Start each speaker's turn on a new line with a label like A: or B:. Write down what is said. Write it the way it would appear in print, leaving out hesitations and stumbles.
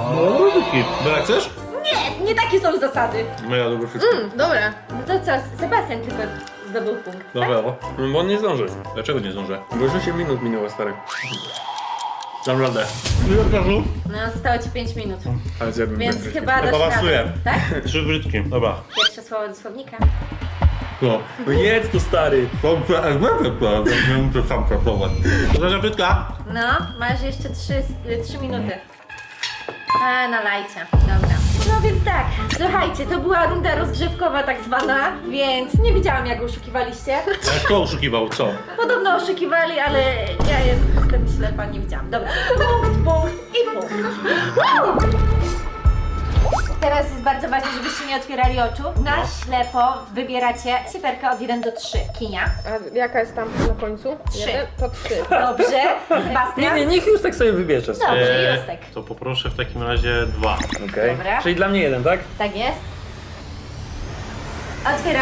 A: No, różyczki. Bela, chcesz?
B: Nie takie są zasady.
A: No ja lubię wszystko.
C: Dobre.
B: No to co, Sebastian tylko zdobył punkt.
A: Dobra, bo on nie zdąży. Dlaczego nie zdążę? Bo już 8 minut minęło, stary. Dam radę. Ile czasu?
B: No, zostało ci 5 minut.
A: Ale zjadłem
B: Więc
A: tak
B: chyba dasz
A: pasuje.
B: radę. Tak?
A: 3 brytki, dobra.
B: Pierwsze słowo do słownika.
A: No.
D: No jedz to stary.
A: Dobrze, jak będę to, nie muszę sam pracować. Proszę brytka.
B: No, masz jeszcze 3 minuty. A, nalajcie. Dobra. No więc tak, słuchajcie, to była runda rozgrzewkowa tak zwana, więc nie wiedziałam jak oszukiwaliście.
A: Ale kto oszukiwał, co?
B: Podobno oszukiwali, ale ja jestem ślepa, nie widziałam. Dobra, punkt i punkt. Woo! Teraz jest bardzo ważne, żebyście nie otwierali oczu. Na ślepo wybieracie cyferkę od 1 do 3. Kinia.
C: A jaka jest tam na końcu?
B: 3.
C: 1, to 3.
B: Dobrze.
D: Nie,
B: Sebastian?
D: nie, niech już tak sobie wybierze.
B: Dobrze, Justek.
A: To poproszę w takim razie 2.
D: Okej.
B: Dobra.
D: Czyli dla mnie jeden, tak?
B: Tak jest. Otwieram.